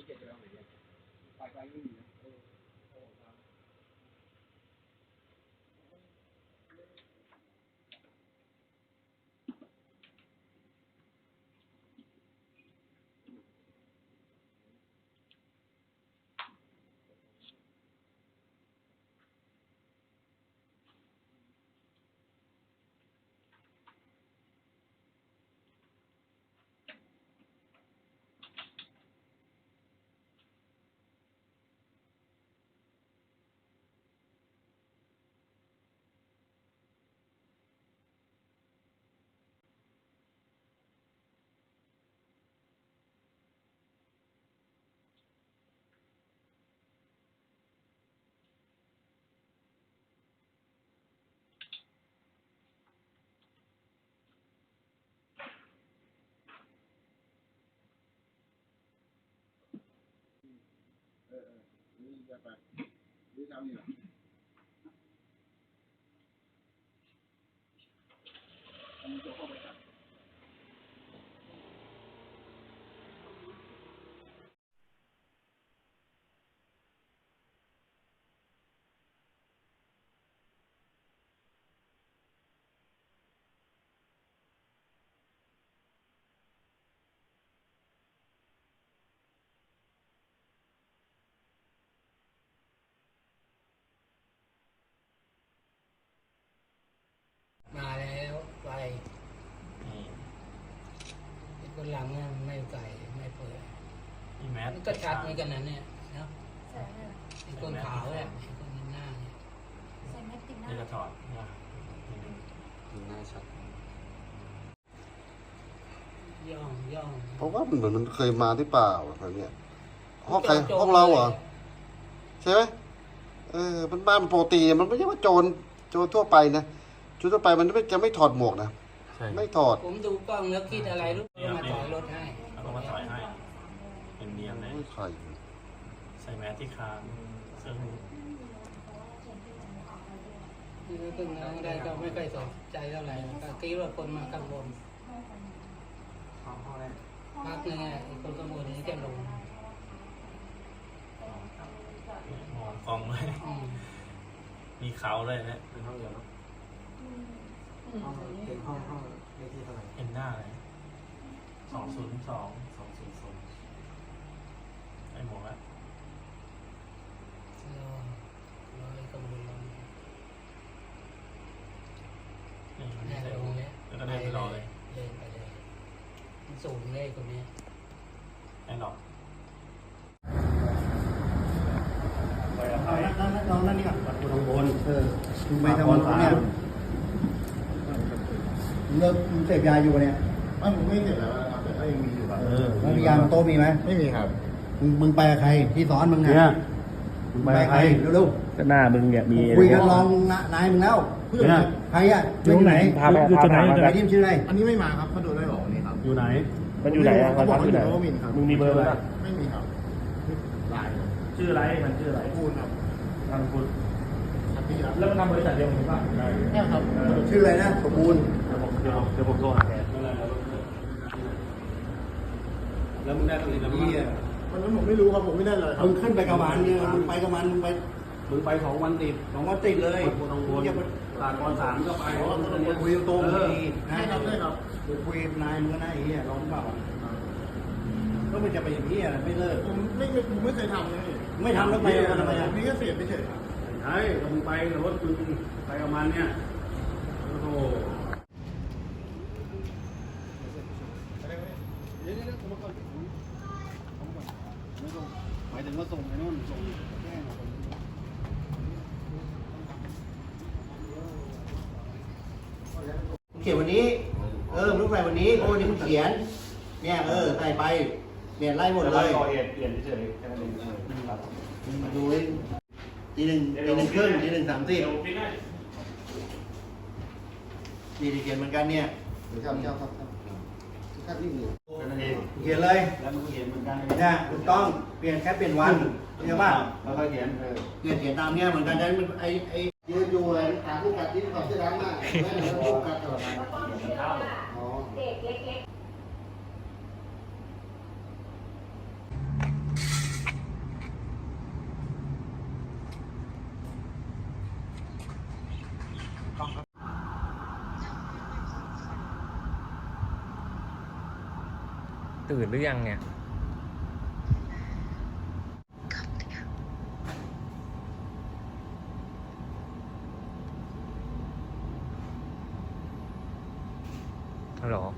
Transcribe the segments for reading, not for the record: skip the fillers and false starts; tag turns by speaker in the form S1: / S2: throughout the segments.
S1: มาแล้วไปคนหลังเนี่ยไม่ไก่ไม่เปิดมันก็ชัดเหมือนกันนะเนี่ยนะไอ้คนขาวเนี่ยไอ้คนหน้าเนี่ย
S2: นี่ก็ถอด
S3: ดูหน้าชัด
S1: ย่อง
S3: เพราะว่ามันเหมือนมันเคยมาที่เปล่าอะไรเนี่ยห้องใครห้องเราเหรอใช่ไหมมันบ้านปกติมันไม่ใช่ว่าโจรทั่วไปนะโจรทั่วไปมันจะไม่ถอดหมวกนะไม่ถอด
S1: ผมดูกล้องแล้วคิดอะไรรู้มาถอยรถให้
S2: เอามาถอยให้เป็นเนียนเลยใส่แมสที่คางซึ่ง
S1: ตึงน้องได้ก็ไม่ค่อยสนใจเท่าไหร่ก็คิดว่าคนมาข้างบนพักนึงไงคนข้างบนนี้แกลง
S2: มองฟองเลยมีเขาเลยนะ
S3: เป็นห้องเดียวเนาะเป็นห้องเลขที่เท่าไหร่
S2: เห็นหน้าเลย202ไอ้หมวกอะ
S1: รอข้างบน
S2: นี่ลงเนี่ยแล้วก็เดินไปรอเลย
S1: เดินไปเลยสูงเลยคนนี้
S2: ไอ้หรอก
S3: น้องนั่นนี่ก่อนบนข้างบนไม่ทำบนเนี่ยเลิกเสพยาอยู่เนี่ย
S4: ผมไม่เสพแล้วนะครับแต่ก็ยังมีอยู่ครับ
S3: แล้วยาโต๊ะมีไหม
S4: ไม่มีครับ
S3: มึงไปกับใครที่สอนมึงเนี่ยมึงไปกับใครเร็ว
S5: ก็หน้ามึงเนี่ยมี
S3: คุยกันลองนายมึงแล้วเพื่อนใครอ่ะ
S5: อยู่ไหนพาไปไหน
S3: ไอ้ทีมชื่ออะไร
S4: อันนี้ไม่มาครับเขาโดนไล่ออกนี่ครับ
S5: อยู่ไหนมันอยู่ไหนอ่ะ
S4: เขาบอกว่าอยู่นวมินครับ
S5: มึงมีเบอร์ไหม
S4: ไม่มีครับไลน์
S5: ชื่ออะไรมันชื่ออะไร
S4: พูดครับ
S5: นามสกุลแล้วมันทำบริษัทเดียวกันป่ะ
S4: ใช่ครับ
S3: ชื่ออะไรนะสมบูรณ์
S5: เดี๋ยวผมโทรหาแกแล้วมึงได้ตรงนี้แล้วมึง
S4: วันนั้นผมไม่รู้ครับผมไม่ได้เลย
S3: มึงขึ้นไปกับมันเนี่ยมึงไปกับมันมึงไป2 วันติด2 วันติดเลย
S5: อย่าไปตากร3ก็ไป
S3: คุยตรง
S4: ดีนะครับได้ครับ
S3: คุยนายมึงก็นายไอ้เหี้ยร้องเปล่าก็ไม่จะไปอย่างนี้ไม่เลิก
S4: ผมไม่เคยทำเลย
S3: ไม่ทำแล้วไปทำไม
S4: นี่ก็เสียไปเฉยครับ
S5: ใช่ถ้ามึงไปรถมึงไปกับมันเนี่ยโอ้โห
S3: หมายถึงว่าส่งไอ้นู่นส่งเขียนวันนี้มึงใส่วันนี้เพราะวันนี้มึงเขียนเนี่ยใส่ไปเปลี่ยนไล่หมดเลย
S5: ก่อเหตุเปลี่ยนเฉยแค่นั้นเอง
S3: มาดูทีหนึ่งครึ่งที 1:30นี่เขียนเหมือนกันเนี่ยครับนี่เขียนเลย
S5: แล้วมึงเขียนเหมือนกัน
S3: เนี่ยถูกต้องเปลี่ยนแค่เปลี่ยนวันใช่ป่ะ
S5: แล้วก็เขียน
S3: เขียนตามเนี่ยเหมือนกันจะมันยืนอยู่เลยถามผู้กัดที่เขาเสื้อดำมากไม่เหมือนผู้กัดตลอดเด็กเล็ก
S6: ตื่นหรือยังเนี่ยฮัลโหล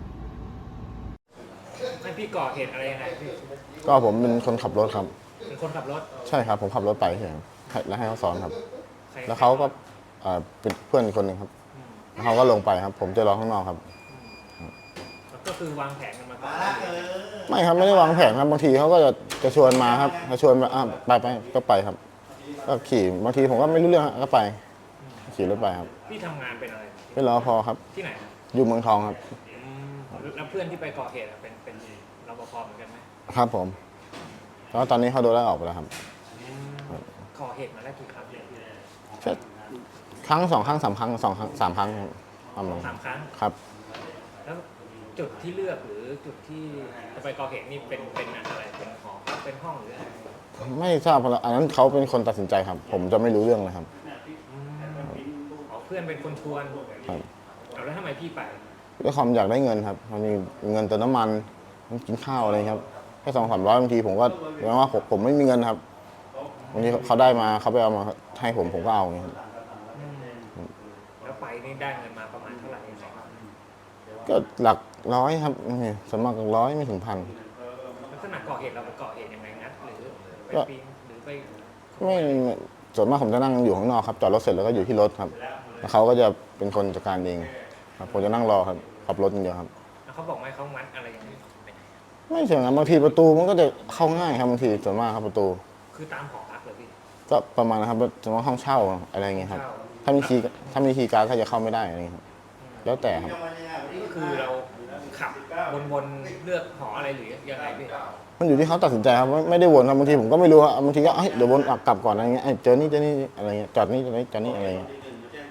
S6: ให้พี่ก่อเหตุอะไรยังไงพี่
S7: ก็ผมเป็นคนขับรถครับ
S6: เป็นคนขับรถ
S7: ใช่ครับ ผมขับรถไปเฉยๆแล้วให้เขาสอนครับ
S6: ใคร
S7: แล้วเขาก็เป็นเพื่อนอีกคนหนึ่งครับแล้วเขาก็ลงไปครับ ผมจะรอข้างนอกครับ
S6: แล้วก็คือวางแผนกันมาก่อน
S7: ไม่ครับไม่ได้วางแผนครับบางทีเขาก็จะชวนมาครับจะชวนมาไปก็ไปครับ ก็ขี่บางทีผมก็ไม่รู้เรื่องก็ไปขี่รถไปครับ
S6: พี่ทำงานเป็นอะไร
S7: เป็นรปภครับ
S6: ที่ไหนครับ
S7: อยู่เมืองทองครับ
S6: แล้วเพื่อนที่ไปก่อเหตุอะเป็นรปภเหมือนกันไหม
S7: ครับผมแล้วตอนนี้เขาโดนไล่ออกไปแล้วครับ
S6: ก่อเหตุมาแล้วกี่ครั้งเนี่ย
S7: แค่ครั้ง2 ครั้ง 3 ครั้ง2 ครั้ง 3 ครั้งครับประมาณ
S6: 3 ครั้ง
S7: ครับ
S6: แล้วจุดที่เลือกหรือจุดที่จะไปก่อเหตุนี่เป็นอะไรเป็นหอเป็นห้องหรืออะไร
S7: ไม่ทราบเพราะอันนั้นเขาเป็นคนตัดสินใจครับ ผมจะไม่รู้เรื่องเลยครับ
S6: อ๋อเพื่อนเป็นคนชวน
S7: ครับ
S6: เอาแล้วทำไมพี่ไป
S7: ด้วยความอยากได้เงินครับมันมีเงินเติมน้ำมันกินข้าวอะไรครับแค่200-300บางทีผมก็แปลว่าผมไม่มีเงินครับบางทีเขาได้มาเขาไปเอามาให้ผมก็เอาอย่างเงี้ยครับ
S6: แล้วไปนี่ได้เงินมาประมาณเท่าไหร่
S7: ก็หลักร้อยครับสวนมากหลักร้อยไม่ถึงพัน
S6: ลักษณะก่อเหตุเราไปก่อเหตุยังไงงัดหรือไปปีนหรือไป
S7: ไม่ส่วนมากผมจะนั่งอยู่ข้างนอกครับจอดรถเสร็จแล้วก็อยู่ที่รถครับแล้วเขาก็จะเป็นคนจัดการเองครับผมจะนั่งรอครับขับรถอย่างเดียวครับ
S6: แล้วเขาบอกไหมเขางัดอะไรอย่างนี้
S7: ไม่เชิงครับบางทีประตูมันก็จะเข้าง่ายครับบางทีส่วนมากครับประตู
S6: คือตามหอพักเลยพี่
S7: ก็ประมาณนะครับส่วนมากห้องเช่าอะไรอย่างเงี้ยครับถ้ามีคีย์การ์ดก็จะเข้าไม่ได้อะไรอย่างเงี้ยครับแล้วแต่ครับ
S6: ก็คือเราขับวนเลือกหออะไรหรือยังไงพี่
S7: มันอยู่ที่เขาตัดสินใจครับไม่ได้วนครับบางทีผมก็ไม่รู้ครับบางทีก็เดี๋ยววนกลับก่อนอะไรเงี้ยเจอนี่อะไรเงี้ยจอดนี่อะไรเงี้ย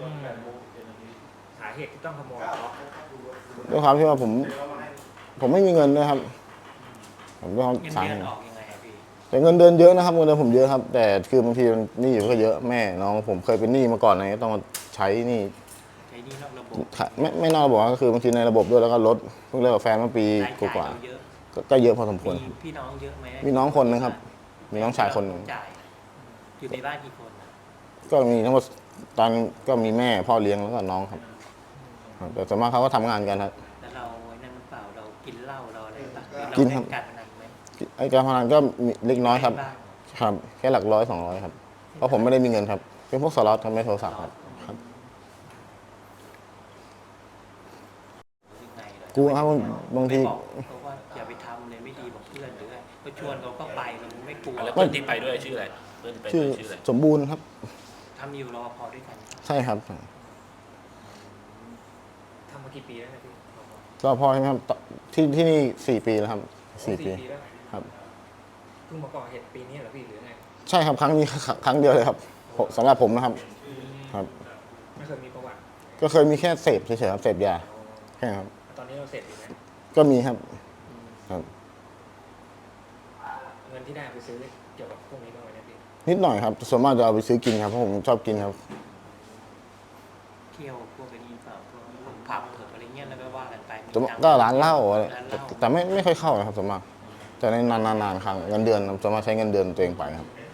S6: สาเหตุที่ต้องขโมยเพราะ
S7: ด้วยความที่ว่าผมไม่มีเงินด้วยครับผมด้วยความ
S6: เงิน
S7: สา
S6: เดื
S7: เห
S6: อน
S7: ตุ
S6: ออกยังไงอะพี่
S7: แต่เงินเดือนเยอะนะครับเงินเดือนผมเยอะครับแต่คือบางทีมันหนี้ก็เยอะแม่น้องผมเคยเป็นหนี้มาก่อนอะไรเงี้ยต้องมาใช้หนี้
S6: ใช้หนี่นอกระบบ
S7: ไม่นอกระบบก็คือบางทีในระบบด้วยแล้วก็รถเพิ่งเลิกกับแฟนเมื่อปี
S6: ราย
S7: ก
S6: จ่าย
S7: ว่า
S6: เราเยอะ
S7: ก็เยอะพอสมควร
S6: มีพี่น้องเยอะไหม
S7: มีน้องคนนึงครับ มีน้องชายคนหนึ่ง
S6: จ่ายอยู่ในบ้านกี่คนอะ
S7: ก็มีทั้งหมดตอนก็มีแม่พ่อเลี้ยงแล้วก็น้องครับแต่ส่วนมากเขาก็ทำงานกันครับ
S6: แล้วเราไอ้นั่นหรือเปล่าเรากินเหล้าเราอะไรปะเรา
S7: กิน
S6: เล่
S7: ครับ
S6: นการพนันไหม
S7: ไอ้การพนันก็มีเล็กน้อยครับ
S6: บ้าง
S7: ครับแค่หลักร้อย200ครับเพราะผมไม่ได้มีเงินครับเป็นพวกสล็อตทำไม่โทรศัพท์ครับ
S6: ยังไงเหรอก
S7: ลัวครับบางที
S6: บอกเขาว่าอย่าไปทำเลยไม่ดีบอกเพื่อนหรือไงก็ชวนเขาก็ไปมันไม่กลัว
S2: แล้วเพื่อนที่ไปด้วยชื่ออะไรเพื่อนที่ไปด้
S7: ชื่อ
S2: วยชื่ออะไร
S7: สมบูรณ์ครับ
S6: ทำอยู่รอพอด้วยกัน
S7: ใช่ครับ
S6: ทำมากี่ปีแล้วนะพี่
S7: ก็พอใช่ไหมครับที่นี่4 ปีแล้วครับ4 ปี
S6: แล้ว
S7: ครับ
S6: เพิ่งมาก่อเหตุปีนี้เหรอพี่หรือไง
S7: ใช่ครับครั้งนี้ครั้งเดียวเลยครับสำหรับผมนะครับครับ
S6: ไม่เคยมีประวัติ
S7: ก็เคยมีแค่เสพเฉยๆครับเสพยาแค่นั้นครับ
S6: ตอนนี้เราเสร็จอยู่นะ
S7: ก็มีครับครับ
S6: เงินที่ได้เอาไปซื้อเกี่ยวกับพวกนี้บ้างไหมเนี่ยพี่
S7: นิดหน่อยครับส่วนมากจะเอาไปซื้อกินครับเพราะผมชอบกินครับ
S6: เที่ยวพวกนี้เปล่าพวกผับเถิดอะไรเงี้ยแล้วก็ว่ากันไป
S7: แต่ก็ร้านเหล้าอะไร
S6: ร้านเหล้า
S7: แต่ไม่ค่อยเข้านะครับส่วนมากจะในนานๆครั้งเงินเดือนส่วนมากใช้เงินเดือนตัวเองไปครับ
S6: อื